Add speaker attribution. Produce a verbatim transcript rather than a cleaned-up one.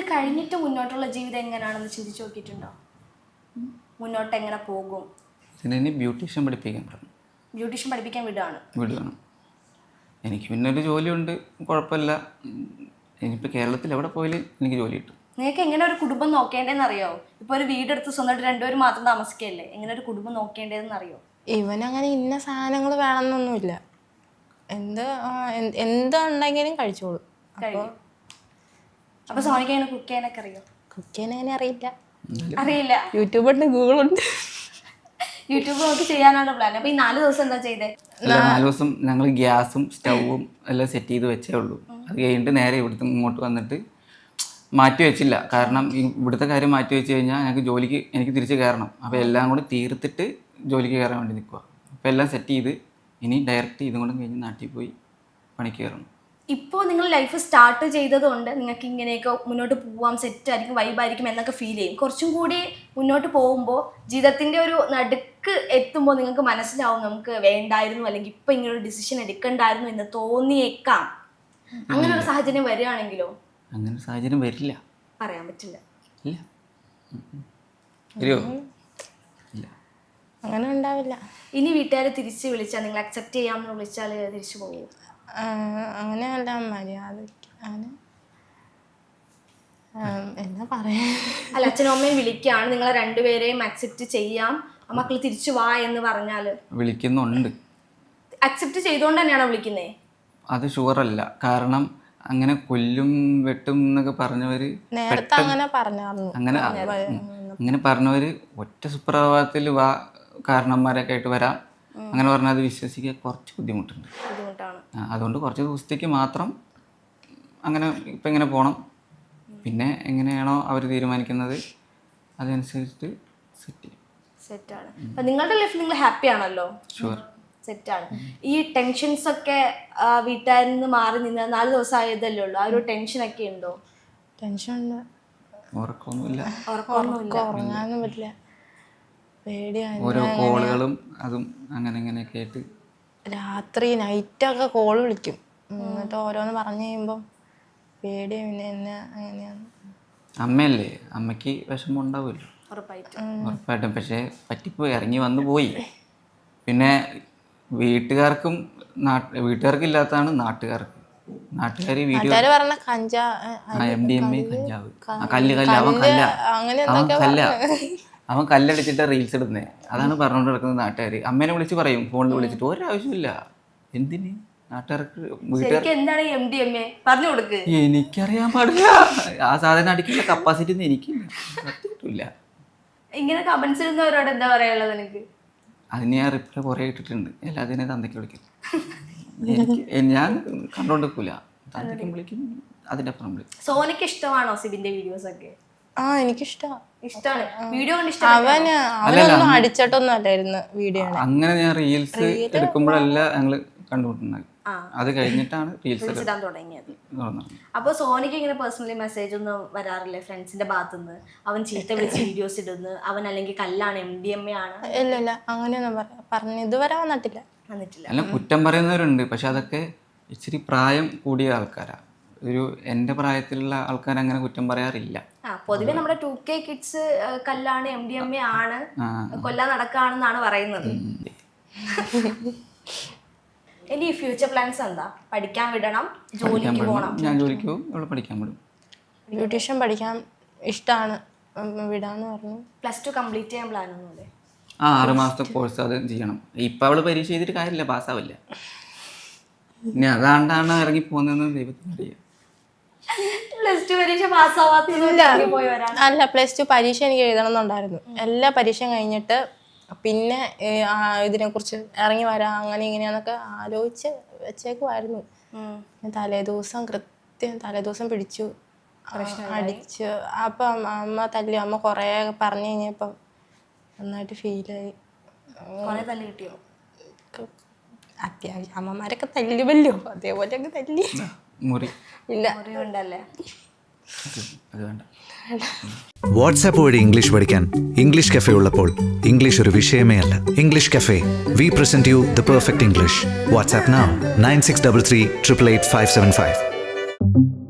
Speaker 1: കഴിഞ്ഞിട്ട് മുന്നോട്ടുള്ള ജീവിതം എങ്ങനെയാണെന്ന് ചിന്തിച്ചു നോക്കിയിട്ടുണ്ടോ? മുന്നോട്ട് എങ്ങനെ പോകും?
Speaker 2: ഇതിനെ ബ്യൂട്ടീഷ്യൻ പഠിപ്പിക്കാൻ പറഞ്ഞു.
Speaker 1: ബ്യൂട്ടീഷ്യൻ പഠിപ്പിക്കാൻ വിടുകയാണ്
Speaker 2: വിടുകയാണ്. എനിക്ക് പിന്നെ ഒരു ജോലിയുണ്ട്, കുഴപ്പമില്ല. ഇനിയിപ്പോൾ കേരളത്തിൽ എവിടെ പോയാലും എനിക്ക് ജോലി കിട്ടും.
Speaker 1: നിങ്ങൾക്ക് എങ്ങനെ ഒരു കുടുംബം നോക്കേണ്ടതെന്ന് അറിയോ? ഇപ്പോൾ ഒരു വീടെടുത്ത് സ്വന്തമായിട്ട് രണ്ടുപേരും മാത്രം താമസിക്കുകയല്ലേ, എങ്ങനെ ഒരു കുടുംബം നോക്കേണ്ടതെന്ന് അറിയോ?
Speaker 3: ഇവനങ്ങനെ ഇന്ന സാധനങ്ങൾ വേണമെന്നൊന്നുമില്ല. എന്ത് എന്തുണ്ടെങ്കിലും കഴിച്ചോളൂ.
Speaker 1: അപ്പോൾ സോണിക്ക് എങ്ങനെ കുക്ക് ചെയ്യാനൊക്കെ അറിയോ?
Speaker 3: കുക്ക് ചെയ്യാൻ അങ്ങനെ അറിയില്ല.
Speaker 1: അറിയില്ല.
Speaker 3: യൂട്യൂബ് ഉണ്ട്, ഗൂഗിൾ ഉണ്ട്.
Speaker 1: യൂട്യൂബ് നോക്കി ചെയ്യാനാണ് പ്ലാൻ. അപ്പോൾ ഈ നാല് ദിവസം എന്താ ചെയ്തേ?
Speaker 2: നാല് ദിവസം ഞങ്ങൾ ഗ്യാസും സ്റ്റൗവും എല്ലാം സെറ്റ് ചെയ്ത് വെച്ചേ ഉള്ളൂ. അത് കഴിഞ്ഞിട്ട് നേരെ ഇവിടുത്തെ ഇങ്ങോട്ട് വന്നിട്ട് മാറ്റി വെച്ചില്ല. കാരണം ഇവിടുത്തെ കാര്യം മാറ്റി വെച്ച് കഴിഞ്ഞാൽ ഞങ്ങൾക്ക് ജോലിക്ക് എനിക്ക് തിരിച്ച് കയറണം. അപ്പോൾ എല്ലാം കൂടി തീർത്തിട്ട് ജോലിക്ക് കയറാൻ വേണ്ടി നിൽക്കുക. അപ്പോൾ എല്ലാം സെറ്റ് ചെയ്ത് ഇനി ഡയറക്റ്റ് ഇതും കൂടെ കഴിഞ്ഞ് നാട്ടിൽ പോയി പണിക്ക് കയറണം.
Speaker 1: ഇപ്പോൾ നിങ്ങൾ ലൈഫ് സ്റ്റാർട്ട് ചെയ്തതുകൊണ്ട് നിങ്ങൾക്ക് ഇങ്ങനെയൊക്കെ മുന്നോട്ട് പോവാം, സെറ്റ് ആയിരിക്കും, വൈബായിരിക്കും എന്നൊക്കെ ഫീൽ ചെയ്യും. കുറച്ചും കൂടി മുന്നോട്ട് പോകുമ്പോൾ ജീവിതത്തിൻ്റെ ഒരു നടുക്ക് എത്തുമ്പോൾ നിങ്ങൾക്ക് മനസ്സിലാവും നമുക്ക് വേണ്ടായിരുന്നു, അല്ലെങ്കിൽ ഇപ്പം ഇങ്ങനൊരു ഡിസിഷൻ എടുക്കണ്ടായിരുന്നു എന്ന് തോന്നിയേക്കാം. അങ്ങനെ ഒരു സാഹചര്യം വരികയാണെങ്കിലോ?
Speaker 2: അങ്ങനെ ഒരു സാഹചര്യം വരില്ല,
Speaker 1: പറയാൻ പറ്റില്ല.
Speaker 2: ഇല്ല, വരുമോ? ഇല്ല,
Speaker 3: അങ്ങനെ ഉണ്ടാവില്ല.
Speaker 1: ഇനി വീട്ടുകാർ തിരിച്ച് വിളിച്ചാൽ, നിങ്ങൾ അക്സെപ്റ്റ് ചെയ്യാമെന്ന് വിളിച്ചാൽ തിരിച്ചു പോകുമോ?
Speaker 3: അങ്ങനെയല്ല, മര്യാദയ്ക്ക് അങ്ങനെ എന്നാ പറയാ.
Speaker 1: അല്ല, അച്ഛനും അമ്മയും വിളിക്കുകയാണ്, നിങ്ങളെ രണ്ടുപേരെയും അക്സെപ്റ്റ് ചെയ്യാം, മക്കൾ തിരിച്ചു വാ എന്ന് പറഞ്ഞാൽ
Speaker 2: വിളിക്കുന്നുണ്ട്.
Speaker 1: അക്സെപ്റ്റ് ചെയ്തുകൊണ്ട് തന്നെയാണോ വിളിക്കുന്നത്?
Speaker 2: അത് ഷുവറല്ല. കാരണം അങ്ങനെ കൊല്ലും വെട്ടും എന്നൊക്കെ പറഞ്ഞവര്
Speaker 3: നേരത്തെ അങ്ങനെ പറഞ്ഞായിരുന്നു.
Speaker 2: അങ്ങനെ അങ്ങനെ പറഞ്ഞവര് ഒറ്റ സുപ്രഭാതത്തിൽ വാ കാരണന്മാരൊക്കെ ആയിട്ട് വരാം അങ്ങനെ പറഞ്ഞാൽ അത് വിശ്വസിക്കാൻ കുറച്ച് ബുദ്ധിമുട്ടുണ്ട്. അതുകൊണ്ട് കുറച്ച് ദിവസത്തേക്ക് മാത്രം അങ്ങനെ ഇപ്പം ഇങ്ങനെ പോകണം. പിന്നെ എങ്ങനെയാണോ അവർ തീരുമാനിക്കുന്നത് അതനുസരിച്ചിട്ട് സെറ്റ് ചെയ്യും.
Speaker 1: സെറ്റാണ്. അപ്പം നിങ്ങളുടെ ലൈഫിൽ നിങ്ങൾ ഹാപ്പി ആണല്ലോ?
Speaker 2: ഷുവർ,
Speaker 1: സെറ്റാണ്. ഈ ടെൻഷൻസ് ഒക്കെ വീട്ടുകാരിൽ നിന്ന് മാറി നിന്ന് നാല് ദിവസം ആയതല്ലേ ഉള്ളൂ, ആ ഒരു ടെൻഷനൊക്കെ ഉണ്ടോ?
Speaker 3: ടെൻഷൻ ഉണ്ട്.
Speaker 2: ഉറക്കമൊന്നുമില്ല,
Speaker 3: ഉറങ്ങാനൊന്നും പറ്റില്ല, പേടിയാണ്.
Speaker 2: ഓരോ കോളുകളും അതും അങ്ങനെ ഇങ്ങനെയൊക്കെ ആയിട്ട്
Speaker 3: രാത്രി നൈറ്റൊക്കെ കോൾ വിളിക്കും. എന്നിട്ട് ഓരോന്ന് പറഞ്ഞു കഴിയുമ്പം പേടിയാണ്. പിന്നെ എന്നെ അങ്ങനെയാണ്.
Speaker 2: അമ്മയല്ലേ, അമ്മയ്ക്ക് വിഷമം ഉണ്ടാവുമല്ലോ
Speaker 1: ഉറപ്പായിട്ടും.
Speaker 2: ഉറപ്പായിട്ടും. പക്ഷേ പറ്റിപ്പോയി, ഇറങ്ങി വന്നു പോയി. പിന്നെ വീട്ടുകാർക്കും നാട്ട് വീട്ടുകാർക്ക് ഇല്ലാത്തതാണ് നാട്ടുകാർക്ക്. നാട്ടുകാർ വീഡിയോ
Speaker 3: പറഞ്ഞ കഞ്ചാ
Speaker 2: എം ഡി എം എ കഞ്ചാവ് കല്ല് കല്ല് അവൻ കല്ല അവൻ കല്ല അവൻ കല്ലടിച്ചിട്ട് റീൽസ് ഇടുന്നേ. അതാണ് പറഞ്ഞുകൊണ്ട് നടക്കുന്നത് നാട്ടുകാർ. അമ്മേനെ വിളിച്ച് പറയും, ഫോണിൽ വിളിച്ചിട്ട് ഒരാവശ്യമില്ല. എന്തിന് നാട്ടുകാർക്ക് വീട്ടുകാർക്ക്
Speaker 1: എന്താണ് എം ഡി എം എ പറഞ്ഞു കൊടുക്ക്.
Speaker 2: എനിക്കറിയാൻ പാടില്ല, ആ സാധനം അടിക്കുന്ന കപ്പാസിറ്റി ഒന്നും എനിക്കില്ല, സത്യമില്ല.
Speaker 1: ഇങ്ങനെ കമന്റ്സ് ഇടുന്നവരോട് എന്താ പറയാനുള്ളത് എനിക്ക്?
Speaker 2: അതിന് ഞാൻ റിപ്ലൈ കുറേ ഇട്ടിട്ടുണ്ട്. എല്ലാത്തിനും തന്തയ്ക്ക് വിളിക്കും. എനിക്ക് ഞാൻ കണ്ടോണ്ടിരിക്കൂല, തന്തയ്ക്കും വിളിക്കും, അതിൻ്റെ അപ്പുറം വിളിക്കും.
Speaker 1: സോനിക്ക് ഇഷ്ടമാണോ സിബിന്റെ വീഡിയോസ് ഒക്കെ?
Speaker 3: ആ എനിക്കിഷ്ടമാണ്.
Speaker 1: ഇഷ്ടമാണ് വീഡിയോ കൊണ്ട്.
Speaker 3: അവന് അവനൊന്നും അടിച്ചിട്ടൊന്നും അല്ലായിരുന്നു വീഡിയോ.
Speaker 2: അങ്ങനെ ഞാൻ റീൽസ് എടുക്കുമ്പോഴല്ല ഞങ്ങള് കണ്ടുമുട്ടുന്നത്. അത് കഴിഞ്ഞിട്ടാണ് റീൽസ്
Speaker 1: ഇടാൻ തുടങ്ങിയത്. അപ്പോൾ സോനിക്ക് ഇങ്ങനെ പേഴ്സണലി മെസ്സേജ് ഒന്നും വരാറില്ലേ ഫ്രണ്ട്സിന്റെ ഭാഗത്തുനിന്ന്? അവൻ ചീത്ത വിളിച്ച് വീഡിയോസ് ഇടുന്നു, അവൻ അല്ലെങ്കിൽ കല്ലാണ്, എം ഡി എം എ ആണ്?
Speaker 3: ഇല്ല ഇല്ല, അങ്ങനെയൊന്നും പറഞ്ഞു ഇതുവരെ വന്നിട്ടില്ല.
Speaker 1: വന്നിട്ടില്ല.
Speaker 2: അല്ല, കുറ്റം പറയുന്നവരുണ്ട്. പക്ഷെ അതൊക്കെ ഇച്ചിരി പ്രായം കൂടിയ ആൾക്കാരാ. ഒരു എൻ്റെ പ്രായത്തിലുള്ള ആൾക്കാർ അങ്ങനെ കുറ്റം പറയാറില്ല.
Speaker 1: ആ പൊതുവെ നമ്മുടെ ടു കെ കിഡ്സ് കല്ലാണ്, എം ഡി എം എ ആണ്, കൊല്ലാൻ നടക്കാണെന്നാണ് പറയുന്നത്. ഇനി ഫ്യൂച്ചർ പ്ലാൻസ് എന്താ? പഠിക്കാൻ വിടണം, ജോലിക്ക് പോകണം?
Speaker 2: ഞാൻ ജോലിക്ക് പോകും, ഇവിടെ പഠിക്കാൻ വിടും.
Speaker 3: ബ്യൂട്ടീഷ്യൻ പഠിക്കാൻ ഇഷ്ടമാണ്, വിടാന്ന് പറഞ്ഞു.
Speaker 1: പ്ലസ് ടു കംപ്ലീറ്റ് ചെയ്യാൻ പ്ലാൻ ഒന്നുമില്ലേ?
Speaker 2: ആ ആറ് മാസത്തെ കോഴ്സ് അത് ചെയ്യണം. ഇപ്പം അവള് പരീക്ഷ ചെയ്തിട്ട് കാര്യമില്ല, പാസ്സാവില്ല. ഇനി അതാണ്ടാണ് ഇറങ്ങി പോകുന്നതെന്ന് ദൈവത്തിന് അറിയാം.
Speaker 1: പ്ലസ് ടു പരീക്ഷ പാസ്സാവാത്തില്ല.
Speaker 3: അല്ല, പ്ലസ് ടു പരീക്ഷ എനിക്ക് എഴുതണം എന്നുണ്ടായിരുന്നു. എല്ലാ പരീക്ഷയും കഴിഞ്ഞിട്ട് പിന്നെ ഇതിനെക്കുറിച്ച് ഇറങ്ങി വരാം അങ്ങനെ ഇങ്ങനെയാന്നൊക്കെ ആലോചിച്ച് വെച്ചേക്കുമായിരുന്നു. തലേദിവസം കൃത്യം തലേദിവസം പിടിച്ചു അടിച്ചു. അപ്പം അമ്മ തല്ലി. അമ്മ കുറേ പറഞ്ഞു കഴിഞ്ഞപ്പം നന്നായിട്ട് ഫീലായി. അത്യാവശ്യം അമ്മമാരൊക്കെ തല്ലുമല്ലോ, അതേപോലെയൊക്കെ തല്ലി. ഇല്ല
Speaker 4: വാട്സാപ്പ് വഴി ഇംഗ്ലീഷ് പഠിക്കാൻ ഇംഗ്ലീഷ് കഫേ ഉള്ളപ്പോൾ ഇംഗ്ലീഷ് ഒരു വിഷയമേ അല്ല. English cafe, we present you the perfect English. WhatsApp now nine six double three triple eight five seven five.